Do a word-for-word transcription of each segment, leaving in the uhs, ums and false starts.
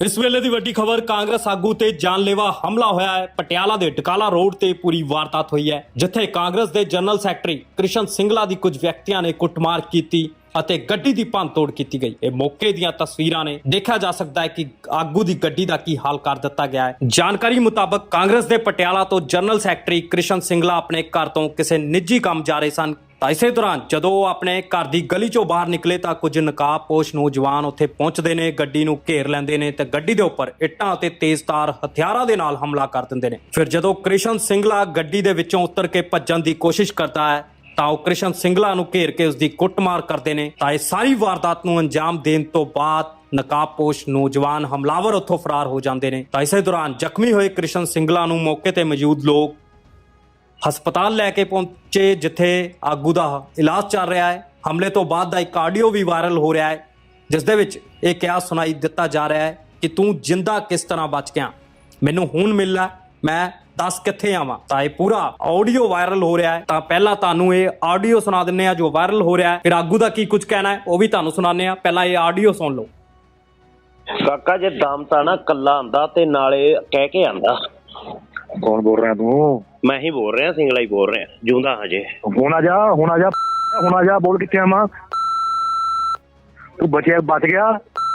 इस वेले की वड्डी खबर कांग्रेस आगू ते जानलेवा हमला होया है। पटियाला दे डकाला रोड ते पूरी वारदात हुई है, जिथे कांग्रेस दे जनरल सैकटरी कृष्ण सिंगला दी कुछ व्यक्तियों ने कुटमार की ਅਤੇ ਗੱਡੀ ਦੀ ਭੰਨਤੋੜ ਕੀਤੀ ਗਈ। ਇਹ ਮੌਕੇ ਦੀਆਂ ਤਸਵੀਰਾਂ ਨੇ। ਦੇਖਿਆ ਜਾ ਸਕਦਾ ਹੈ ਕਿ ਆਗੂ ਦੀ ਗੱਡੀ ਦਾ ਕੀ ਹਾਲ ਕਰ ਦਿੱਤਾ ਗਿਆ ਹੈ। ਜਾਣਕਾਰੀ ਮੁਤਾਬਕ ਕਾਂਗਰਸ ਦੇ ਪਟਿਆਲਾ ਤੋਂ ਜਨਰਲ ਸੈਕਟਰੀ ਕ੍ਰਿਸ਼ਨ ਸਿੰਗਲਾ ਆਪਣੇ ਘਰ ਤੋਂ ਕਿਸੇ ਨਿੱਜੀ ਕੰਮ ਜਾ ਰਹੇ ਸਨ। ਤਾਂ ਇਸੇ ਦੌਰਾਨ ਜਦੋਂ ਉਹ ਆਪਣੇ ਘਰ ਦੀ ਗਲੀ ਚੋਂ ਬਾਹਰ ਨਿਕਲੇ ਤਾਂ ਕੁਝ ਨਕਾਬਪੋਸ਼ ਨੌਜਵਾਨ ਉੱਥੇ ਪਹੁੰਚਦੇ ਨੇ, ਗੱਡੀ ਨੂੰ ਘੇਰ ਲੈਂਦੇ ਨੇ ਤੇ ਗੱਡੀ ਦੇ ਉੱਪਰ ਇੱਟਾਂ ਅਤੇ ਤੇਜ਼ਧਾਰ ਹਥਿਆਰਾਂ ਦੇ ਨਾਲ ਹਮਲਾ ਕਰ ਦਿੰਦੇ ਨੇ। ਫਿਰ ਜਦੋਂ ਕ੍ਰਿਸ਼ਨ ਸਿੰਗਲਾ ਗੱਡੀ ਦੇ ਵਿੱਚੋਂ ਉਤਰ ਕੇ ਭੱਜਣ ਦੀ ਕੋਸ਼ਿਸ਼ ਕਰਦਾ ਹੈ ਤਾਂ ਉਹ ਕ੍ਰਿਸ਼ਨ ਸਿੰਗਲਾ ਨੂੰ ਘੇਰ ਕੇ ਉਸ ਦੀ ਕੁੱਟਮਾਰ ਕਰਦੇ ਨੇ। ਤਾਂ ਇਹ ਸਾਰੀ ਵਾਰਦਾਤ ਨੂੰ ਅੰਜਾਮ ਦੇਣ ਤੋਂ ਬਾਅਦ ਨਕਾਬਪੋਸ਼ ਨੌਜਵਾਨ ਹਮਲਾਵਰ ਉੱਥੋਂ ਫਰਾਰ ਹੋ ਜਾਂਦੇ ਨੇ। ਤਾਂ ਇਸੇ ਦੌਰਾਨ ਜ਼ਖਮੀ ਹੋਏ ਕ੍ਰਿਸ਼ਨ ਸਿੰਗਲਾ ਨੂੰ ਮੌਕੇ ਤੇ ਮੌਜੂਦ ਲੋਕ ਹਸਪਤਾਲ ਲੈ ਕੇ ਪਹੁੰਚੇ, ਜਿੱਥੇ ਆਗੂ ਦਾ ਇਲਾਜ ਚੱਲ ਰਿਹਾ ਹੈ। ਹਮਲੇ ਤੋਂ ਬਾਅਦ ਦਾ ਇੱਕ ਆਡੀਓ ਵੀ ਵਾਇਰਲ ਹੋ ਰਿਹਾ ਹੈ, ਜਿਸ ਦੇ ਵਿੱਚ ਇਹ ਕਿਹਾ ਸੁਣਾਈ ਦਿੱਤਾ ਜਾ ਰਿਹਾ ਹੈ ਕਿ ਤੂੰ ਜਿੰਦਾ ਕਿਸ ਤਰ੍ਹਾਂ ਬਚ ਗਿਆ, ਮੈਨੂੰ ਹੁਣ ਮਿਲ ਲੈ, ਮੈਂ ਦੱਸ ਕਿੱਥੇ ਆਵਾਂ। ਤਾਂ ਇਹ ਪੂਰਾ ਆਡੀਓ ਵਾਇਰਲ ਹੋ ਰਿਹਾ ਹੈ। ਤਾਂ ਪਹਿਲਾਂ ਤੁਹਾਨੂੰ ਇਹ ਆਡੀਓ ਸੁਣਾ ਦਿੰਨੇ ਆ ਜੋ ਵਾਇਰਲ ਹੋ ਰਿਹਾ ਹੈ, ਫਿਰ ਆਗੂ ਦਾ ਕੀ ਕੁਝ ਕਹਿਣਾ ਹੈ ਉਹ ਵੀ ਤੁਹਾਨੂੰ ਸੁਣਾਉਂਦੇ ਆ। ਪਹਿਲਾਂ ਇਹ ਆਡੀਓ ਸੁਣ ਲਓ। ਕਾਕਾ ਜੇ ਦਮ ਤਾਂ ਨਾ ਕੱਲਾ ਆਂਦਾ ਤੇ ਨਾਲੇ ਕਹਿ ਕੇ ਆਂਦਾ। ਕੌਣ ਬੋਲ ਰਿਹਾ ਤੂੰ? ਮੈਂ ਹੀ ਬੋਲ ਰਿਹਾ, ਸਿੰਗਲਾ ਹੀ ਬੋਲ ਰਿਹਾ, ਜੂੰਦਾ ਹਜੇ। ਹੁਣ ਆ ਜਾ, ਹੁਣ ਆ ਜਾ, ਹੁਣ ਆ ਜਾ, ਬੋਲ ਕਿੱਥੇ ਆਵਾਂ? ਤੂੰ ਬਚਿਆ, ਬਚ ਗਿਆ?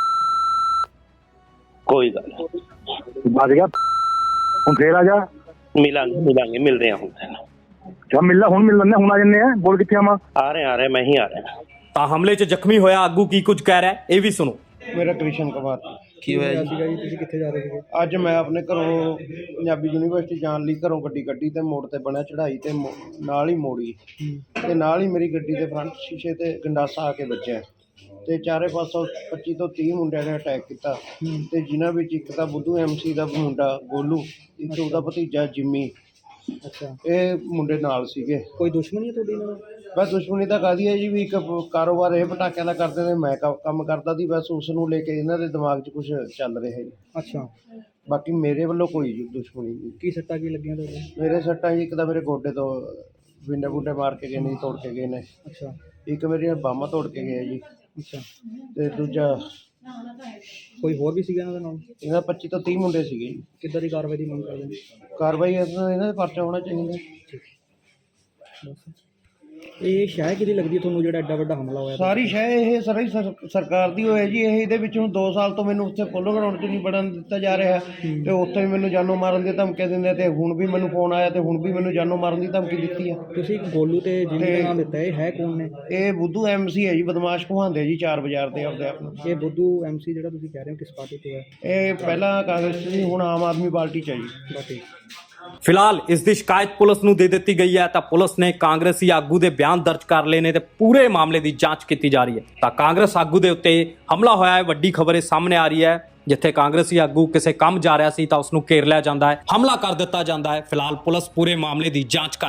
ਕੋਈ ਗੱਲ ਨੀ। ਬਚ ਗਿਆ ਹੁਣ ਫੇਰ ਆ ਜਾ। ਮਿਲਾਂਗੇ ਮਿਲਾਂਗੇ ਮਿਲਦੇ ਆ ਹੁਣ। ਜਾ ਮਿਲ ਲੈ, ਹੁਣ ਮਿਲ ਲੈਂਦੇ, ਹੁਣ ਆ ਜੰਨੇ ਆ। ਬੋਲ ਕਿੱਥੇ ਆਵਾਂ? ਆ ਰਹੇ ਆ ਰਹੇ ਮੈਂ ਹੀ ਆ ਰਿਹਾ। ਤਾਂ ਹਮਲੇ 'ਚ ਜ਼ਖਮੀ ਹੋਇਆ ਆਗੂ ਕੀ ਕੁਝ ਕਹਿ ਰਿਹਾ ਹੈ ਇਹ ਵੀ ਸੁਣੋ। ਮੇਰਾ ਕ੍ਰਿਸ਼ਨ ਕੁਮਾਰ। ਕੀ ਹੋਇਆ ਸੀਗਾ ਜੀ? ਤੁਸੀਂ ਕਿੱਥੇ ਜਾ ਰਹੇ ਸੀਗੇ? ਅੱਜ ਮੈਂ ਆਪਣੇ ਘਰੋਂ ਪੰਜਾਬੀ ਯੂਨੀਵਰਸਿਟੀ ਜਾਣ ਲਈ ਘਰੋਂ ਗੱਡੀ ਕੱਢੀ ਤੇ ਮੋੜ ਤੇ ਬਣਿਆ ਚੜਾਈ ਤੇ ਮੋ- ਨਾਲ ਹੀ ਮੋੜੀ ਤੇ ਨਾਲ ਹੀ ਮੇਰੀ ਗੱਡੀ ਦੇ ਫਰੰਟ ਸ਼ੀਸ਼ੇ ਤੇ ਗੰਡਾਸਾ ਆ ਕੇ ਵੱਜਿਆ ਤੇ ਚਾਰੇ ਪਾਸੋਂ ਪੱਚੀ ਤੋਂ ਤੀਹ ਮੁੰਡਿਆਂ ਨੇ ਅਟੈਕ ਕੀਤਾ ਤੇ ਜਿਨ੍ਹਾਂ ਵਿੱਚ ਇੱਕ ਤਾਂ ਬੁੱਧੂ ਐਮਸੀ ਦਾ ਮੁੰਡਾ ਗੋਲੂ, ਇੱਕ ਉਹਦਾ ਭਤੀਜਾ ਜਿੰਮੀ, ਅੱਛਾ, ਇਹ ਮੁੰਡੇ ਨਾਲ ਸੀਗੇ। ਕੋਈ ਦੁਸ਼ਮਣੀ ਹੈ ਤੁਹਾਡੀ ਨਾਲ? ਬਸ ਦੁਸ਼ਮਣੀ ਤਾਂ ਕਾਹਦੀ ਹੈ ਜੀ, ਵੀ ਇੱਕ ਕਾਰੋਬਾਰ ਇਹ ਪਟਾਕਿਆਂ ਦਾ ਕਰਦੇ ਨੇ, ਮੈਂ ਕ- ਕੰਮ ਕਰਦਾ ਸੀ, ਬਸ ਉਸ ਨੂੰ ਲੈ ਕੇ ਇਹਨਾਂ ਦੇ ਦਿਮਾਗ 'ਚ ਕੁਝ ਚੱਲ ਰਿਹਾ ਜੀ। ਅੱਛਾ, ਬਾਕੀ ਮੇਰੇ ਵੱਲੋਂ ਕੋਈ ਦੁਸ਼ਮਣੀ ਨਹੀਂ। ਕੀ ਸੱਟਾਂ ਕੀ ਲੱਗੀਆਂ ਤੁਹਾਡੇ? ਮੇਰੇ ਸੱਟਾਂ ਜੀ, ਇੱਕ ਤਾਂ ਮੇਰੇ ਗੋਡੇ ਤੋਂ ਵਿੰਡੇ ਬੁੰਡੇ ਮਾਰ ਕੇ ਗਏ ਨੇ ਜੀ, ਤੋੜ ਕੇ ਗਏ ਨੇ। ਅੱਛਾ ਇੱਕ ਮੇਰੀਆਂ ਬਾਹਾਂ ਤੋੜ ਕੇ ਗਏ ਜੀ। ਅੱਛਾ, ਤੇ ਦੂਜਾ ਕੋਈ ਹੋਰ ਵੀ ਸੀਗਾ ਇਹਨਾਂ ਦੇ ਨਾਲ? ਇਹਨਾਂ ਪੱਚੀ ਤੋਂ ਤੀਹ ਮੁੰਡੇ ਸੀਗੇ ਜੀ। ਕਿੱਦਾਂ ਦੀ ਕਾਰਵਾਈ ਦੀ ਮੰਗ ਕਰਦੇ ਨੇ? ਕਾਰਵਾਈ ਇਹਨਾਂ ਇਹਨਾਂ ਦੇ ਪਰਚਾ ਹੋਣਾ ਚਾਹੀਦਾ। ਬਸ ਇਹ ਸ਼ਹਿਰ ਕਿਹਦੀ ਲੱਗਦੀ ਹੈ ਤੁਹਾਨੂੰ ਜਿਹੜਾ ਐਡਾ ਵੱਡਾ ਹਮਲਾ ਹੋਇਆ? ਸਾਰੀ ਸ਼ਹਿ ਇਹ ਸਾਰੀ ਸਰ- ਸਰਕਾਰ ਦੀ ਹੋਇਆ ਜੀ। ਇਹ ਇਹਦੇ ਵਿੱਚ ਹੁਣ ਦੋ ਸਾਲ ਤੋਂ ਮੈਨੂੰ ਉੱਥੇ ਪੋਲੋ ਗਰਾਊਂਡ 'ਚ ਨਹੀਂ ਵੜਨ ਦਿੱਤਾ ਜਾ ਰਿਹਾ ਤੇ ਉੱਥੇ ਵੀ ਮੈਨੂੰ ਜਾਨੋਂ ਮਾਰਨ ਦੀ ਧਮਕੀ ਦਿੰਦੇ ਤੇ ਹੁਣ ਵੀ ਮੈਨੂੰ ਫੋਨ ਆਇਆ ਤੇ ਹੁਣ ਵੀ ਮੈਨੂੰ ਜਾਨੋਂ ਮਾਰਨ ਦੀ ਧਮਕੀ ਦਿੱਤੀ ਆ। ਤੁਸੀਂ ਗੋਲੂ ਤੇ ਜਿੰਮੀ ਦਾ ਨਾਮ ਦਿੱਤਾ, ਇਹ ਹੈ ਕੌਣ ਨੇ? ਇਹ ਬੁੱਧੂ ਐਮਸੀ ਹੈ ਜੀ, ਬਦਮਾਸ਼ ਕਹਾਉਂਦੇ ਜੀ ਚਾਰ ਬਾਜ਼ਾਰ ਦੇ ਆਪਦੇ ਆਪ ਨੂੰ। ਇਹ ਬੁੱਧੂ ਐਮਸੀ ਜਿਹੜਾ ਤੁਸੀਂ ਕਹਿ ਰਹੇ ਹੋ ਕਿਸ ਪਾਰਟੀ ਤੋਂ ਹੈ? ਇਹ ਪਹਿਲਾਂ ਕਾਂਗਰਸ 'ਚ ਸੀ, ਹੁਣ ਆਮ ਆਦਮੀ ਪਾਰਟੀ 'ਚ ਹੈ ਜੀ। ਬਾਕੀ ਫਿਲਹਾਲ ਇਸ ਦੀ ਸ਼ਿਕਾਇਤ ਪੁਲਿਸ ਨੂੰ ਦੇ ਦਿੱਤੀ ਗਈ ਹੈ। ਤਾਂ ਪੁਲਿਸ ਨੇ ਕਾਂਗਰਸੀ ਆਗੂ ਦੇ ਬਿਆਨ ਦਰਜ ਕਰ ਲਏ ਨੇ ਤੇ ਪੂਰੇ ਮਾਮਲੇ ਦੀ ਜਾਂਚ ਕੀਤੀ ਜਾ ਰਹੀ ਹੈ। ਤਾਂ ਕਾਂਗਰਸ ਆਗੂ ਦੇ ਉੱਤੇ ਹਮਲਾ ਹੋਇਆ ਹੈ, ਵੱਡੀ ਖਬਰ ਇਹ ਸਾਹਮਣੇ ਆ ਰਹੀ ਹੈ। ਜਿੱਥੇ ਕਾਂਗਰਸੀ ਆਗੂ ਕਿਸੇ ਕੰਮ ਜਾ ਰਿਹਾ ਸੀ ਤਾਂ ਉਸ ਨੂੰ ਘੇਰ ਲਿਆ ਜਾਂਦਾ ਹੈ, ਹਮਲਾ ਕਰ ਦਿੱਤਾ ਜਾਂਦਾ ਹੈ। ਫਿਲਹਾਲ ਪੁਲਿਸ ਪੂਰੇ ਮਾਮਲੇ ਦੀ ਜਾਂਚ ਕਰ